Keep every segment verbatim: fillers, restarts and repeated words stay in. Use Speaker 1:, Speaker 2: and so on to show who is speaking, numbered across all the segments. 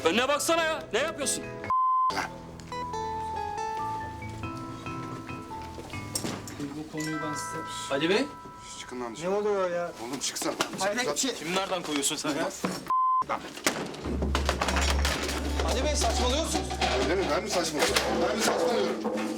Speaker 1: Önüne baksana ya. Ne yapıyorsun? Bu konuyu ben size... Ali Bey.
Speaker 2: Çıkın lan dışarı.
Speaker 3: Ne oluyor ya?
Speaker 2: Oğlum çıksana.
Speaker 3: Hayretçi.
Speaker 1: Kimi nereden koyuyorsun sen ya?
Speaker 3: Ali Bey saçmalıyorsunuz.
Speaker 2: Öyle mi? Ben mi saçmalıyorum? Ben mi saçmalıyorum?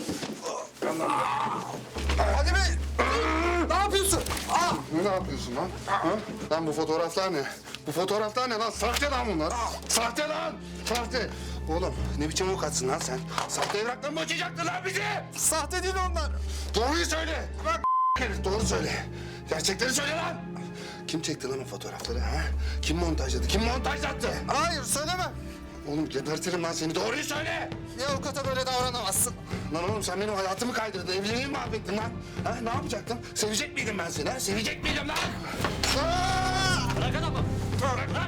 Speaker 3: Ali Bey! Ne yapıyorsun? Aa!
Speaker 2: Ne yapıyorsun lan? Ha? Lan bu fotoğraflar ne? Bu fotoğraflar ne lan? Sahte lan bunlar. Sahte lan! Sahte! Oğlum ne biçim avukatsın lan sen? Sahte evrakla mı açacaktın lan bizi?
Speaker 3: Sahte değil onlar.
Speaker 2: Doğruyu söyle! Bak herif doğru söyle. Gerçekleri söyle lan! Kim çekti lan o fotoğrafları ha? Kim montajladı? Kim montajlattı?
Speaker 3: Hayır söylemem.
Speaker 2: Oğlum gebertirim lan seni. Doğruyu söyle!
Speaker 3: Bir avukata böyle davranamazsın.
Speaker 2: Lan oğlum sen benim hayatımı kaydırdın. Evliliğimi mahvettin lan. Ha, ne yapacaktım? Sevecek miydim ben seni ha? Sevecek miydim lan? Aa!
Speaker 1: Bırak adamı.
Speaker 2: Bırak lan!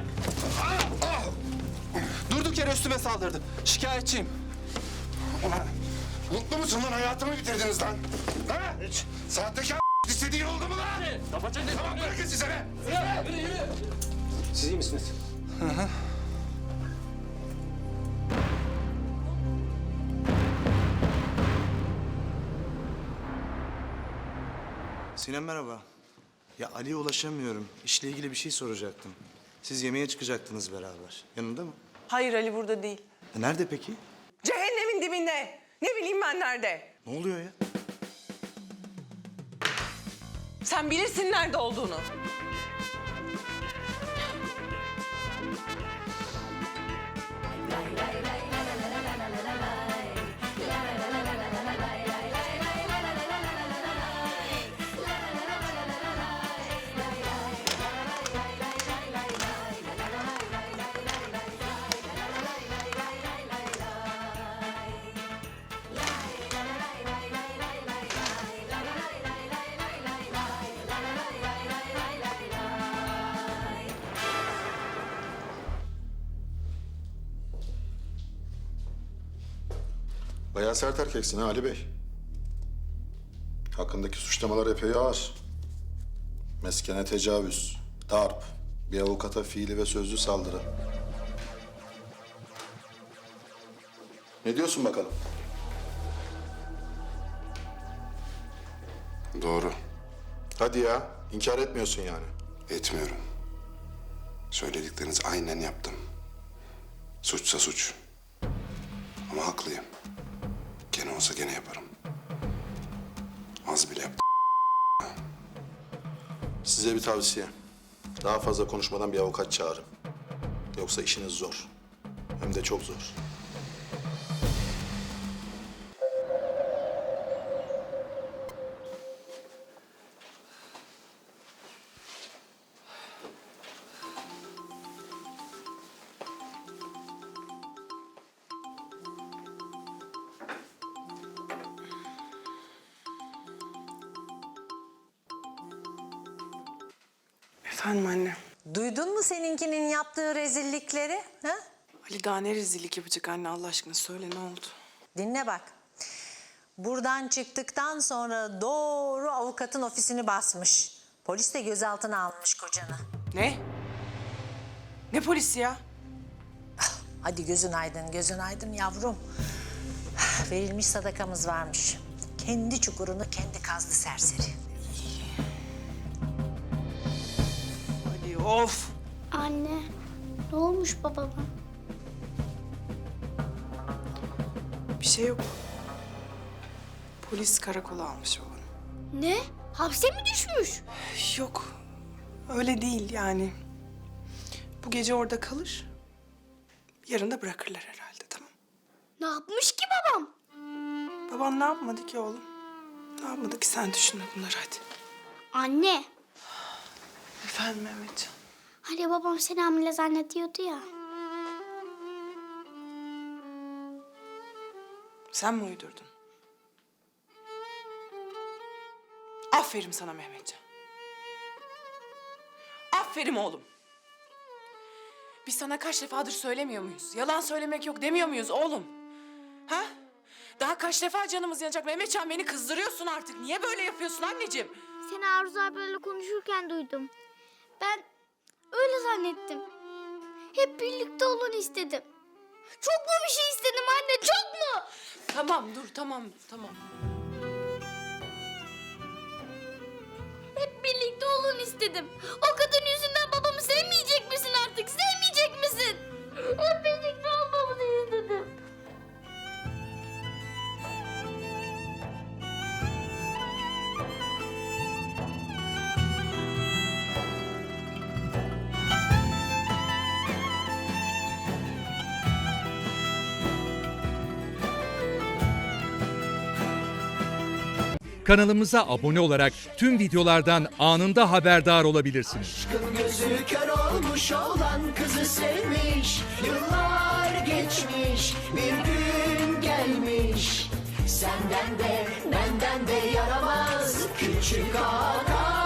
Speaker 3: Durduk yere üstüme saldırdı. Şikayetçiyim.
Speaker 2: Ulan mutlu musun lan? Hayatımı bitirdiniz lan. Ha? Hiç. Sahtekar istediğin oldu mu lan?
Speaker 1: Kafa çek.
Speaker 2: Tamam bırakın size be.
Speaker 1: Yürü, yürü, yürü.
Speaker 3: Siz iyi misiniz? Hı hı.
Speaker 4: Sinem merhaba. Ya Ali'ye ulaşamıyorum. İşle ilgili bir şey soracaktım. Siz yemeğe çıkacaktınız beraber. Yanında mı?
Speaker 5: Hayır Ali burada değil.
Speaker 4: E nerede peki?
Speaker 5: Cehennemin dibinde. Ne bileyim ben nerede.
Speaker 4: Ne oluyor ya?
Speaker 5: Sen bilirsin nerede olduğunu.
Speaker 6: Bayağı sert erkeksin ha Ali Bey. Hakkındaki suçlamalar epey ağır. Meskene tecavüz, darp, bir avukata fiili ve sözlü saldırı. Ne diyorsun bakalım?
Speaker 2: Doğru.
Speaker 6: Hadi ya, inkar etmiyorsun yani.
Speaker 2: Etmiyorum. Söyledikleriniz aynen yaptım. Suçsa suç. Ama haklıyım. Gene olsa gene yaparım. Az bile yaptım.
Speaker 6: Size bir tavsiye. Daha fazla konuşmadan bir avukat çağırın. Yoksa işiniz zor. Hem de çok zor.
Speaker 7: Efendim anne.
Speaker 8: Duydun mu seninkinin yaptığı rezillikleri? Ha?
Speaker 7: Ali daha ne rezillik yapacak anne Allah aşkına söyle ne oldu?
Speaker 8: Dinle bak. Buradan çıktıktan sonra doğru avukatın ofisini basmış. Polis de gözaltına almış kocanı.
Speaker 7: Ne? Ne polisi ya?
Speaker 8: Hadi gözün aydın, gözün aydın yavrum. Verilmiş sadakamız varmış. Kendi çukurunu kendi kazdı serseri.
Speaker 7: Ali of.
Speaker 9: Anne, ne olmuş babama?
Speaker 7: Bir şey yok. Polis karakola almış oğlum.
Speaker 9: Ne? Hapse mi düşmüş?
Speaker 7: Yok. Öyle değil yani. Bu gece orada kalır. Yarın da bırakırlar herhalde tamam.
Speaker 9: Ne yapmış ki babam?
Speaker 7: Baban ne yapmadı ki oğlum? Ne yapmadı ki sen düşünme bunları hadi.
Speaker 9: Anne,
Speaker 7: Efendim Mehmetcan.
Speaker 9: hani babam seni hamile zannediyordu ya.
Speaker 7: Sen mi uydurdun? Aferin sana Mehmetcan. Aferin oğlum. Biz sana kaç defadır söylemiyor muyuz? Yalan söylemek yok demiyor muyuz oğlum? Ha? Daha kaç defa canımız yanacak Mehmetcan, beni kızdırıyorsun artık. Niye böyle yapıyorsun anneciğim?
Speaker 9: Seni Arzu abiyle konuşurken duydum. Ben öyle zannettim. Hep birlikte olun istedim. Çok mu bir şey istedim anne, çok mu?
Speaker 7: Tamam dur tamam tamam.
Speaker 9: Hep birlikte olun istedim. O kadın yüzünden babamı sevmeyecek misin artık? Sevmeyecek misin? Hep birlikte olmamızı istedim.
Speaker 10: Kanalımıza abone olarak tüm videolardan anında haberdar olabilirsiniz.
Speaker 3: Gözü kör olmuş olan kızı sevmiş. Yıllar geçmiş, bir gün gelmiş. Senden de benden de yaramaz küçük ağa.